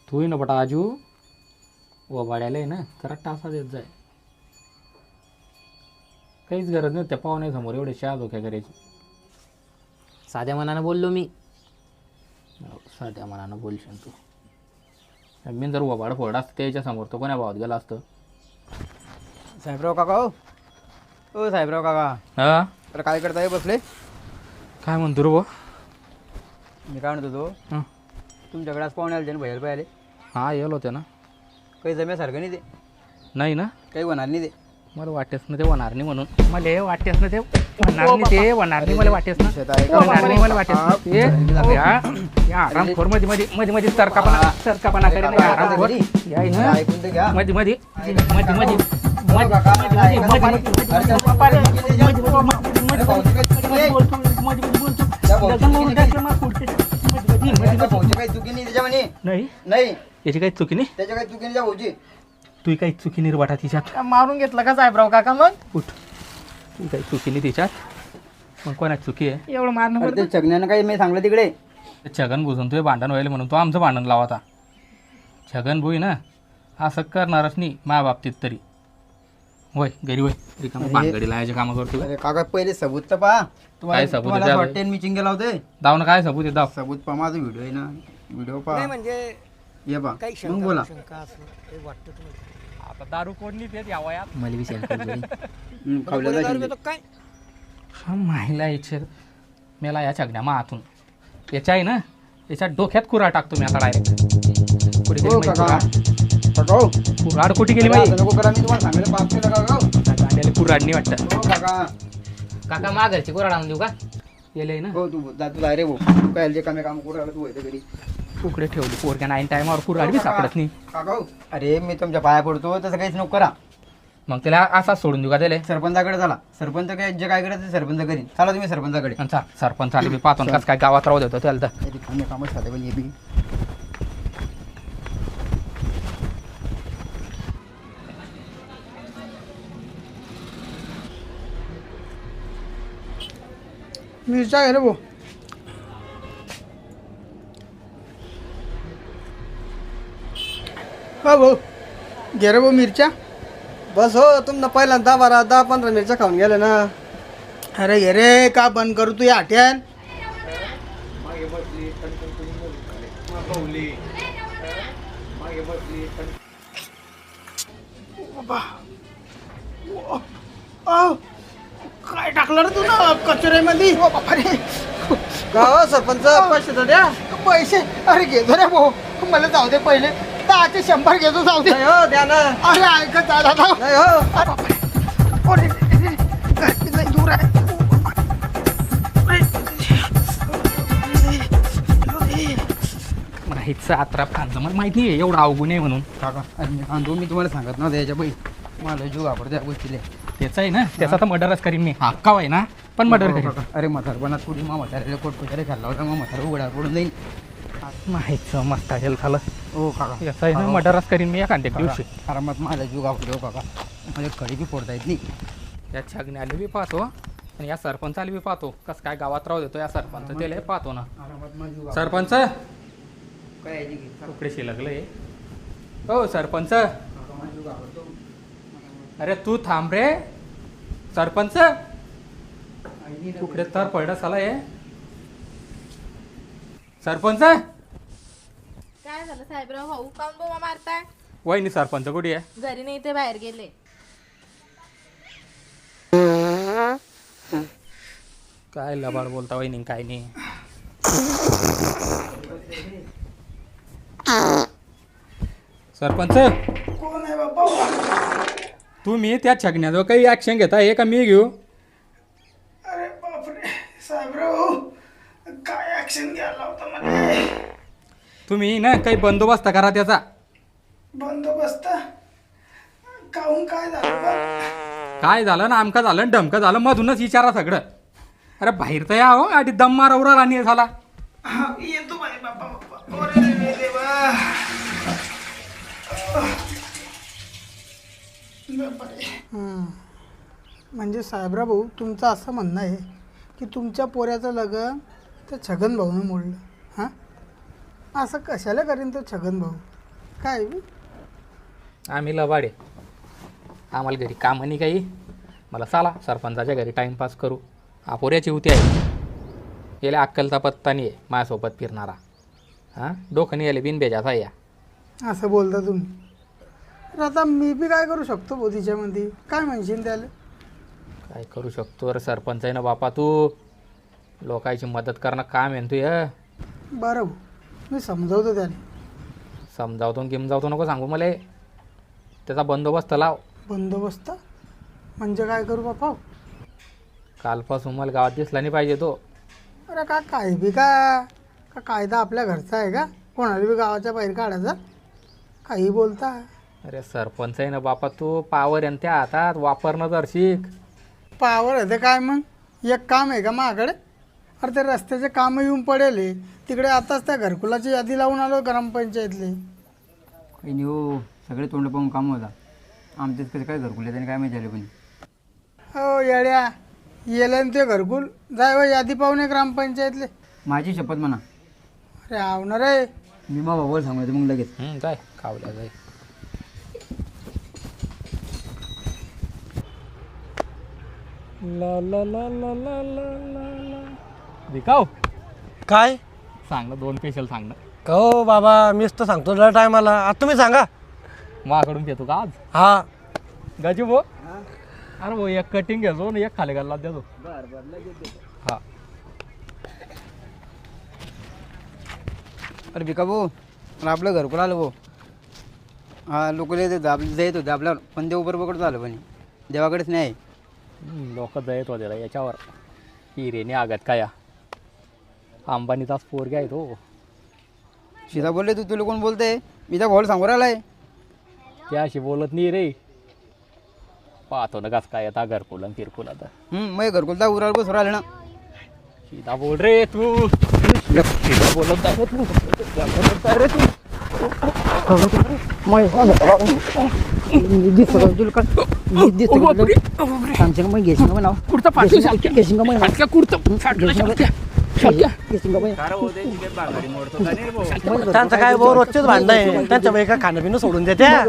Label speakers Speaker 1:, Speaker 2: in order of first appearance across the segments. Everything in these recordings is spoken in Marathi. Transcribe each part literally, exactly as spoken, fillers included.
Speaker 1: तू ना बटा आजू व वाड्याला आहे ना जरा टासा देत जाय. काहीच गरज नाही त्या पाहुण्यासमोर एवढे शहा धोक्या करायची.
Speaker 2: साध्या मनानं बोललो मी.
Speaker 1: साध्या मनानं बोलशील तू. मी जर वबाड फोडा असतं त्याच्या समोर तो कोण्या भावात गेला असतं.
Speaker 3: साहेबराव काका हो ओ साहेबराव काका
Speaker 1: हा
Speaker 3: तर काय करताय बसले.
Speaker 1: काय म्हणतो रे बुवा.
Speaker 3: मी काय म्हणतो तो
Speaker 1: हां
Speaker 3: तुमच्याकडे आज पाहुणे आले ना बाहेर पाहिले
Speaker 1: हां येलो होते ना.
Speaker 3: काही जम्यासारखं नाही ते
Speaker 1: नाही ना
Speaker 3: काही होणार नाही ते.
Speaker 1: मला वाटेस ना ते होणार नाही म्हणून मला वाटेस ना ते होणार नाही ते होणार नाही मला वाटेस ना
Speaker 3: शेत आहे का?
Speaker 1: होणार नाही मला वाटेस ना ते या या आरामखोर मध्ये मध्ये मध्ये मध्ये सरकापणा सरकापणा करेन या आरामखोर या
Speaker 3: अरे
Speaker 1: ना
Speaker 3: ऐकून तर घ्या.
Speaker 1: मध्ये मध्ये मध्ये मध्ये
Speaker 3: हो काका, अरे त्या भाऊची काही चुकी नाही त्याच्यामध्ये.
Speaker 1: नाही
Speaker 3: नाही
Speaker 1: याची काही चुकी नाही.
Speaker 3: त्याच्या काही चुकी नाही त्या भाऊची.
Speaker 1: तू काही चुकी नाही रे बाटा तिच्यात.
Speaker 2: मारून घेतला का साहेबराव काका मग
Speaker 1: उठ तू काही चुकी नाही तिच्यात मग कोणाची चुकी आहे.
Speaker 2: एवढं मारणं
Speaker 3: अरे ते छगण्यानं काही मी सांगलं तिकडे.
Speaker 1: छगन घुसून तुझे भांडण व्हायला म्हणून तो आमचं भांडण लावाता. छगन भोई ना असं करणारच नाही माझ्या बाबतीत तरी. होय घरी होय रिकामा भानगडी लावायचे कामं करतो.
Speaker 3: अरे काका पहिले सबूत तर पहा.
Speaker 1: काय सबूत आहे
Speaker 3: तुम्हाला
Speaker 1: त्यात?
Speaker 3: वाटते मी चिंगे लावते.
Speaker 1: दाव ना काय सबूत आहे दाव.
Speaker 3: सबूत पहा माझा व्हिडिओ आहे ना. व्हिडिओ पहा
Speaker 2: म्हणजे
Speaker 3: ये पहा मग बोला.
Speaker 1: आता दारू कोण देत या वयात.
Speaker 2: मला बी
Speaker 3: हम्म, खावल्याला शिंदे.
Speaker 2: काय
Speaker 1: हा माहिला याचे मेला या छगण्या मा हातून याच्या आहे ना याच्या डोक्यात कुऱ्हाड टाकतो मी आता डायरेक्ट. कुठे गेली
Speaker 3: हो
Speaker 1: माहिती
Speaker 3: काका
Speaker 1: का?
Speaker 3: काका हो.
Speaker 1: कुऱ्हाड कुठे गेली
Speaker 3: असं
Speaker 1: माहिती.
Speaker 3: नको करा मी तुम्हाला सांगितलं पाप केलं काका हो.
Speaker 1: गांड्याला कुऱ्हाड नाही वाटतं.
Speaker 3: हो काका
Speaker 2: काका माघारची कोराड आणून देऊ का.
Speaker 1: गेले ना
Speaker 3: हो तू जा तू रे भाऊ. तू काय जे कामे काम करू राहिला तू होते घरी.
Speaker 1: तुकडे ठेवले पोरक्या नाईन टायमावर कुऱ्हाड बी सापडत नाही.
Speaker 3: काका हो. अरे मी तुमच्या पाया पडतो तसं काहीच नको करा.
Speaker 1: मग त्याला असाच सोडून देऊ का त्याला.
Speaker 3: सरपंचाकडे झाला सरपंच काय जे काय करायचं ते सरपंच करीन. चला तुम्ही सरपंचाकडे.
Speaker 1: आणि चाल सरपंच आले मी पाहतो ना कसं काय गावात राहू देतो त्याला तर.
Speaker 3: तरी कामे कामच खाते पण हे बी.
Speaker 4: मिरच्या घे रे भाऊ. हा भाऊ घे रे भाऊ मिरच्या.
Speaker 5: बस हो तुमनं पहिल्यांदा दहा बारा दहा पंधरा मिरच्या खाऊन गेले ना.
Speaker 4: अरे घे रे का बंद करू तू या आठ्यान. अहो, काय टाकलं रे तू ना कचऱ्यामध्ये. ओ बापरे
Speaker 5: का हो सरपंच पैसे तर द्या.
Speaker 4: पैसे. अरे घेतो रे भाऊ मला जाऊ दे पहिले दहाचे शंभर घेतो जाऊ दे.
Speaker 5: नाही हो द्या ना.
Speaker 4: अरे ऐकत आहे दादा.
Speaker 5: नाही हो.
Speaker 4: अरे बापरे. अरे, अरे, घरची लई दूर आहे.
Speaker 1: माहीतचं आत्रा फांचं मला माहित नाही एवढं अवगुण आहे म्हणून.
Speaker 3: काका अरे मी सांगतो मी तुम्हाला सांगत ना त्याच्या बाई मला जीव घाबरतो त्या गोष्टीले.
Speaker 1: त्याचं आहे ना त्याचा तर मर्डरच करीन मी. हक्का आहे ना पण मर्डर करीन.
Speaker 3: अरे म्हातारपणात पुढे मा म्हाताऱ्याला कोट कोचारे खाल्ला होता मग म्हातारा उघडा पडून जाईल.
Speaker 1: माहीतचं मस्त आहे झालं.
Speaker 3: हो काका
Speaker 1: याचं आहे ना मर्डरच करीन मी एखाद्या दिवशी.
Speaker 3: आरामात माझा जीव घाबरतो हो काका. माझ्या कडी बी फोडता येत नाही.
Speaker 1: या छगण्याला बी पाहतो आणि या सरपंचाला बी पाहतो कसं काय गावात राहू देतो या सरपंच त्याला पाहतो ना.
Speaker 3: आरामात माझा जीव
Speaker 1: सरपंच
Speaker 3: काय आहे जी घे.
Speaker 1: तुकडे शिलकले. हो सरपंच
Speaker 3: काका माझा जीव घाबरतो.
Speaker 1: अरे तू थांब रे सरपंच. तुकडे तर पडलं साला हे सरपंच.
Speaker 6: काय झालं साहेबराव भाऊ काऊन बोमा मारताय.
Speaker 1: वहिनी सरपंच कुठे आहे.
Speaker 6: घरी नाही ते बाहेर गेले.
Speaker 1: काय लबाड बोलता वहिनी काय नाही. सरपंच
Speaker 4: कोण आहे बाबा.
Speaker 1: तुम्ही त्या छगण्याजवळ काही ऍक्शन घेता हे का मी घेऊ.
Speaker 4: अरे बापरे साहेबराव काय ऍक्शन घ्यायला होता मला.
Speaker 1: तुम्ही ना काही बंदोबस्त करा त्याचा.
Speaker 4: बंदोबस्त काहून काय झालं बा.
Speaker 1: काय झालं ना आमका झालं ना ढमकं झालं मधूनच विचारा सगळं. अरे बाहेर तर या हो आधी दम मारवरा राणी झाला.
Speaker 4: हा, येतो बाई बापा बापा. अरे रे देवा. बापरे. म्हणजे साहेबराव भाऊ तुमचं असं म्हणणं आहे की तुमच्या पोऱ्याचं लग्न त्या छगन भाऊनं मोडलं. हां असं कशाला करीन तो छगन भाऊ. काय बी?
Speaker 1: आम्ही लबाडे, आम्हाला घरी कामं नाही काही. मला चला सरपंचाच्या घरी टाईमपास करू. अपोऱ्याची होती आहे, याला अक्कलचा पत्ता नाही आहे माझ्यासोबत फिरणारा. हां डोकं नाही आले बिनबेजाचा या.
Speaker 4: असं बोलता तुम्ही. तर आता मी बी काय करू शकतो भाऊ तिच्यामध्ये? काय म्हणशील त्याला?
Speaker 1: काय करू शकतो अरे सरपंच आहे ना बापा तू. लोकांची मदत करणं काम आहे ना तू या.
Speaker 4: बरं भाऊ, मी समजावतो त्याला.
Speaker 1: समजावतो गिमजावतो नको सांगू मला. त्याचा बंदोबस्त लाव.
Speaker 4: बंदोबस्त म्हणजे काय करू बापा?
Speaker 1: कालपासून मला गावात दिसला नाही पाहिजे तो.
Speaker 4: अरे का काय बी का का कायदा आपल्या घरचा आहे का? कोणाला बी गावाच्या बाहेर काढायचा? काही बोलता.
Speaker 1: अरे सरपंच आहे ना बापा तू. पावर आहे ना त्या हातात, वापरणं जर शिक.
Speaker 4: पावर आहे ते काय मग? एक काम आहे का माझ्याकडे? अरे ते रस्त्याचे कामं येऊन पडेल आहे. तिकडे आताच त्या घरकुलाची यादी लावून आलो ग्रामपंचायतले.
Speaker 3: काही नाही हो, सगळे तोंड पाहून काम होता. आमच्याच कसं काय घरकुल त्याने काय माहिती झालं पण.
Speaker 4: हो येड्या, येलं ना ते घरकुल. जाय व यादी पाहून ये ग्रामपंचायतले.
Speaker 3: माझी शपथ म्हणा,
Speaker 4: अरे आवणार आहे.
Speaker 3: मी मग बाबाला सांगायचं मग लगेच.
Speaker 1: हं, जाय कावल्या जाय. ला ला ला ला ला ला ला ला. विकाव
Speaker 7: काय
Speaker 1: सांग ना, दोन पेशल सांग ना.
Speaker 7: हो बाबा, मीच तर सांगतो तुला टायमाला. आता तुम्ही सांगा.
Speaker 1: माझ्याकडून घेतो का आज
Speaker 7: हा
Speaker 1: गाजी भो? अरे भाऊ एक कटिंग घ्यायचो ना, एक खाली घालला देतो. हा
Speaker 3: अरे भिका भाऊ, पण आपलं घरकुल आलं भाऊ. हा लोक देत देत होते आपल्यावर, पण देव बरोबर झालं पण देवाकडेच नाही.
Speaker 1: लोक जयत होते रे याच्यावर. हिरेने आगत काय अंबानीचाच पोरगा आहे तो.
Speaker 3: सीधा बोलले तू, तुला कोण बोलते? मी त्या भाऊला सांगू राहिलाय.
Speaker 1: त्याशी बोलत नाही रे. पाहतो ना कस काय येता घरकुल आणि फिरकुल आता.
Speaker 3: हम्म, मग घरकुल तर उरावर बस राहिले ना.
Speaker 1: सीधा बोल रे तू. सीधा बोलत जा रे तू. बोलत जा रे तू. कुर्ता फाटलं शालक्या. शालक्या कुर्ता फाटलं शालक्या. शालक्या.
Speaker 7: त्यांचं काय भाऊ रोजचेच भांडणं आहे. त्यांच्या बाई का खाणं पिणं सोडून देत्या.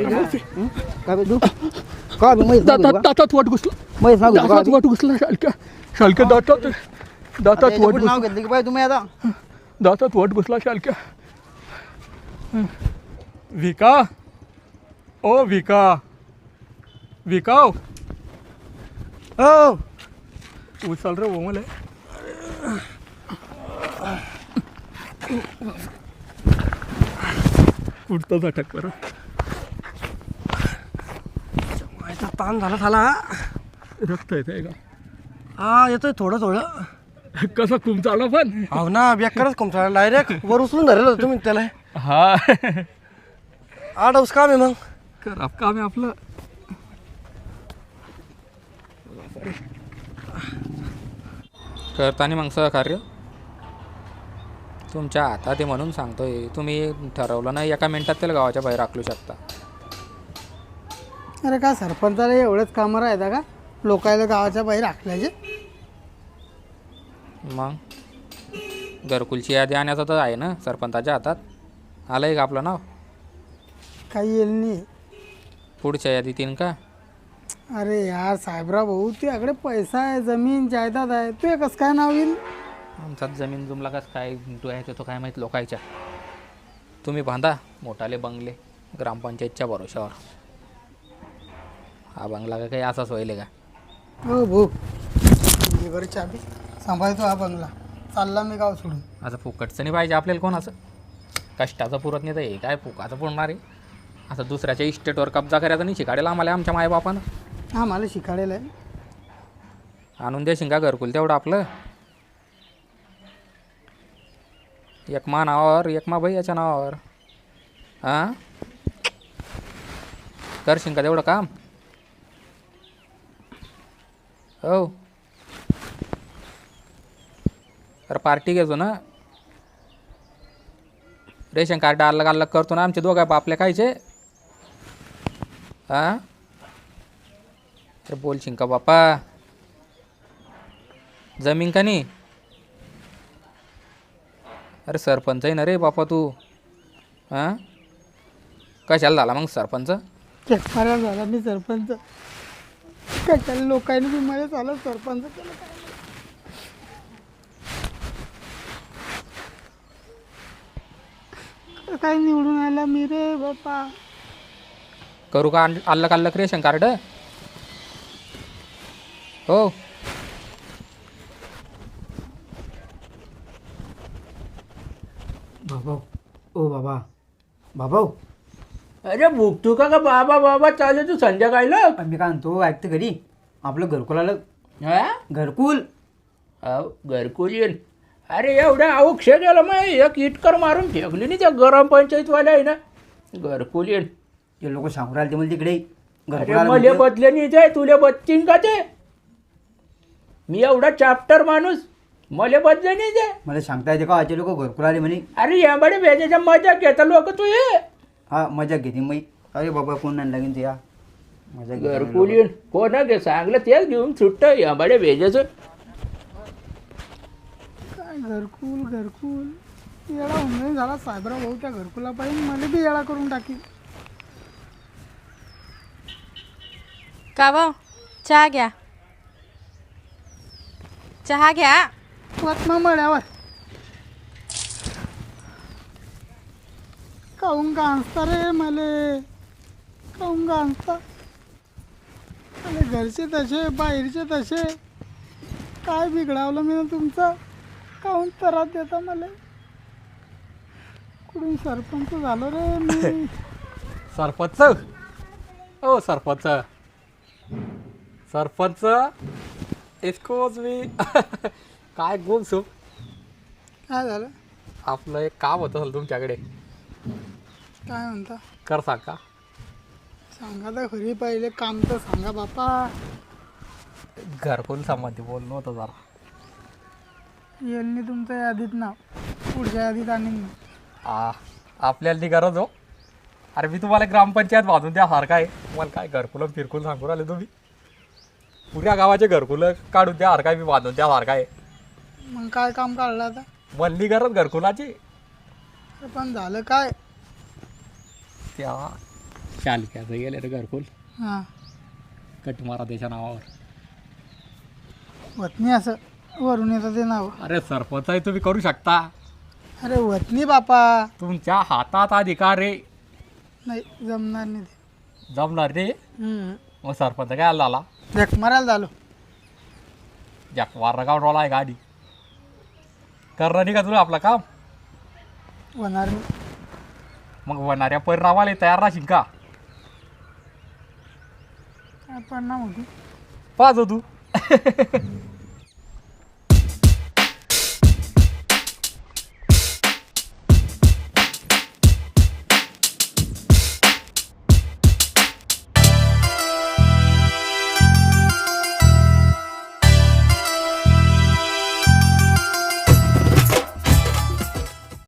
Speaker 1: दातात दातात वाट घुसला. दातात वाट घुसला शालक्या. शालक्या दातात दातात वाट घुसला.
Speaker 3: नाव घेतलं की बाई तुम्ही आता.
Speaker 1: दातात वाट घुसला शालक्या. विका ओ विका. विकाव
Speaker 7: हो
Speaker 1: उचल रे वो मला. कुठं झटक बरं.
Speaker 7: ताण झाला झाला.
Speaker 1: रक्त येतंय का?
Speaker 7: हा येतोय थोडं थोडं.
Speaker 1: कसा खूप चालला पण.
Speaker 7: हो ना, बेकारच कोणता डायरेक्ट वर उचलून धरेल होतं तुम्ही त्याला.
Speaker 1: हा
Speaker 7: आडवस काम आहे मग.
Speaker 1: खराब काम आहे आपलं. करताना मग सहकार्य तुमच्या हातात आहे म्हणून सांगतोय. तुम्ही ठरवलं ना एका मिनिटात त्याला गावाच्या बाहेर राखलू शकता.
Speaker 4: अरे का सरपंचाला एवढंच कामं राहता का लोकायला गावाच्या बाहेर राखल्याचे?
Speaker 1: मग घरकुलची यादी आणण्याचं तर आहे ना सरपंचाच्या हातात. आलं आहे का आपलं नाव?
Speaker 4: काही येईल नाही.
Speaker 1: पुढच्या यादीत येईन का?
Speaker 4: अरे यार साहेबराव भाऊ, तुझ्याकडे पैसा आहे, जमीन जायदाद आहे, तू कसं काय नाव येईल?
Speaker 1: आमचात जमीन जुमला कसं काय आहे तो काय माहीत लोकायच्या. तुम्ही बांधा मोठाले बंगले ग्रामपंचायतच्या भरोशावर. हा बंगला का काही असाच होईल का?
Speaker 4: हो भाऊ, बरं चाबी सांभाळतो हा बंगला. चालला मी गाव सोडून.
Speaker 1: असं फुकटचं नाही पाहिजे आपल्याला कोणाचं. कष्टाचं पुरत नाही तर हे काय फुकाचं पुरणार आहे. असं दुसऱ्याच्या इस्टेटवर कब्जा करायचा नाही शिकाडेल आम्हाला आमच्या मायबापानं.
Speaker 4: हा मला शिकाडेल आहे.
Speaker 1: आणून दे शिंगा घरकुल तेवढं आपलं. एक मा नावावर एक मा भैयाच्या नावावर. हां कर शिंगा तेवढं काम. हो तर पार्टी घेतो ना. रेशन कार्ड अलग अलग करतो ना आमचे दोघं बापले कायचे. हां तर बोल शिंका बापा. जमीन का नाही? अरे सरपंच आहे ना रे बापा तू. हां कशाला झाला मग सरपंच?
Speaker 4: चेकमाऱ्या झाला मी सरपंच. कशाला लोकांनी बी मला झालं सरपंच केलं काय नाही. काय निवडून आला मी रे बापा.
Speaker 1: करू का अल्लक अल्लक रेशन कार्ड? हो
Speaker 3: बाबा ओ बाबा बाबा
Speaker 8: अरे भुकतो का का बाबा बाबा चालू तू संध्याकाळला?
Speaker 3: मी काय म्हणतो ऐकते घरी आपलं घरकुल आलं.
Speaker 8: हा
Speaker 3: घरकुल
Speaker 8: अहो, घरकुल येईल. अरे एवढ्या अवक्ष गेलं मग एक इटकर मारून फेकली नाही त्या गरम पंचायतवाल्या आहे ना. घरकुल येईल.
Speaker 3: ते लोक सांगू राहिले ते मला तिकडे घरकुल
Speaker 8: अरे
Speaker 3: आलं
Speaker 8: मले
Speaker 3: म्हणजे.
Speaker 8: बदले नाही ते तुले बदतीन का ते? मी एवढा चॅप्टर माणूस मले बदले नाही ते.
Speaker 3: मला सांगता येते का ते लोक घरकुल आले म्हणे.
Speaker 8: अरे याकडे भेजायच्या मजा घेता लोक तू ये.
Speaker 3: हा मजा घेते मी. अरे बाबा कोण नाही लागेल ते या मजा घेते म्हणे
Speaker 8: घरकुल
Speaker 3: लोकं.
Speaker 8: येईल कोणा घे सांगलं तेच घेऊन सुट्ट याकडे भेजायचं.
Speaker 4: काय घरकुल घरकुल येडा होऊन झाला साहेबराव भाऊ त्या घरकुला पाहिजे मला बी येडा करून टाकी.
Speaker 6: का भाऊ चहा घ्या. चहा घ्या.
Speaker 4: वाटमा मळ्यावर काहून का आणता रे मले. काहून का आणता. अरे घरचे तसे बाहेरचे तसे. काय बिघडावलं मी तुमचं. काहून त्रास देता मला. कुठून सरपंच झालो रे मी.
Speaker 1: सरपंच ओ सरपंच सरपंच एक्सकोज मी काय गोल सो.
Speaker 4: काय झालं.
Speaker 1: आपलं एक काम होतं असेल तुमच्याकडे.
Speaker 4: काय म्हणता.
Speaker 1: कर सांग का.
Speaker 4: सांगा तर खरी पहिले काम तर सांगा बापा.
Speaker 1: घरकुल संबंधी बोलणं होतं जरा.
Speaker 4: यांनी तुमच्या यादीत नाव पुढच्या यादीत आणीन.
Speaker 1: आ आपल्याला ती गरज हो. अरे मी तुम्हाला ग्रामपंचायत बांधून द्यासारखा आहे. मला काय घरकुलं फिरकुल सांगू राहिले तुम्ही. पुऱ्या गावाचे घरकुलं काढून द्यासारखा आहे. मी बांधून द्यासारखा आहे.
Speaker 4: मग काय काम काढलं आता.
Speaker 1: म्हणली गरज घरकुलाची.
Speaker 4: अरे पण झालं काय.
Speaker 1: त्या शालक्याचं गेले रे घरकुल.
Speaker 4: हां
Speaker 1: कटमारा त्याच्या नावावर.
Speaker 4: वतनी असं वरून येतं ते नाव.
Speaker 1: अरे सरपंच आहे तुम्ही करू शकता.
Speaker 4: अरे वतनी बापा.
Speaker 1: तुमच्या हातात अधिकार रे.
Speaker 4: नाही जमणार नाही ते.
Speaker 1: जमणार रे.
Speaker 4: हम्म.
Speaker 1: मग सरपंच काय झाला.
Speaker 4: झक मारायला झालो.
Speaker 1: जॅक वारगाव डोला आहे गाडी. करणार नाही का तुला आपलं काम.
Speaker 4: होणार नाही.
Speaker 1: मग होणाऱ्या परिणामाला तयार राहशील का.
Speaker 4: काय परिणाम होती.
Speaker 1: पाच हो तू